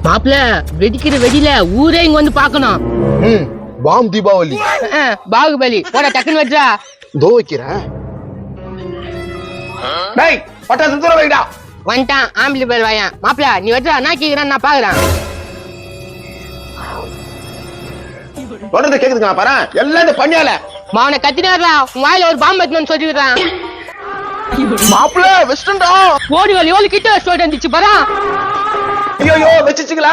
மாப்பிள்ள வெடிக்கிற வெடியில ஊரே இங்க வந்து பாக்கணும். பாம் தீபாவளி. பாகுபலி போட டக்குன்னு வெட்றா. தோ வைக்கிறேன். டேய் பட்டாசு தூர வைடா. வந்துட்டான் ஆம்பளி பேர் வாயன். மாப்பிள்ள நீ வெட்றா, நான் கேக்குறேன், நான் பாக்குறேன். தொடர்ந்து கேக்குதுங்க பாரு, எல்லாம் இந்த பண்ணியால. மாவனை கத்தினாரா, உன் வாயில ஒரு பாம்பு வைக்கணும்னு சொல்லிடுறான். மாப்பிள்ள வெஸ்டன்டா. ஓடி வாலி எவ்வளவு கிட்ட வச்சுட்டு வந்துச்சு பாரா. ஐயோ வெச்சிச்சுங்களா?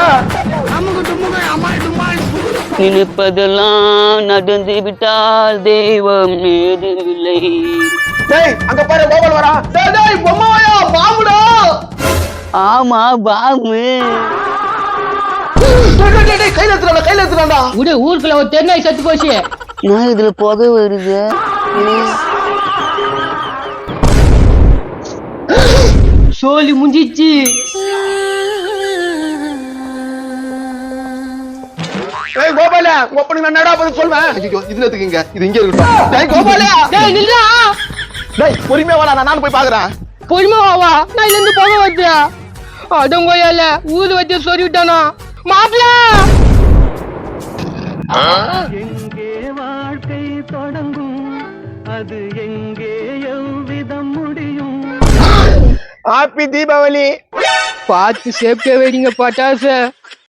நினைப்பதெல்லாம் நடந்து விட்டால் தெய்வம் ஏதுமில்லை. டேய் அங்க பாரு கோபால் வரா. டேய் டேய் பொம்மாயா பாம்புடா. ஆமா பாம்பு. டேய் கையில எடுத்துறான்டா. உடே ஊருக்குள்ள ஒரு தென்னை செத்து போச்சு. நான் இதுல புகை வருது. சோலி முடிஞ்சிச்சு. ஏய் கோபால ஓப்பனிங் நான் என்னடா பதில் சொல்வேன். ஐயோ இதுல எதுக்குங்க, இது இங்க இருக்கட்டும். டேய் கோபால டேய் நில்றா. டேய் பொறுமையா வாடா, நான் போய் பாக்குறேன். பொறுமையா வா, நான் இதுல இருந்து புகை வருது. அடங்கோயால ஊரு வச்சு சொல்லி விட்டானா மாப்பிள்ள. எங்கே வாழ்க்கை தொடங்கும், அது எங்கே எவ்விதம் முடியும். ஹாப்பி தீபாவளி. பார்த்து சேஃப்டியா வெடிங்க பட்டாசு.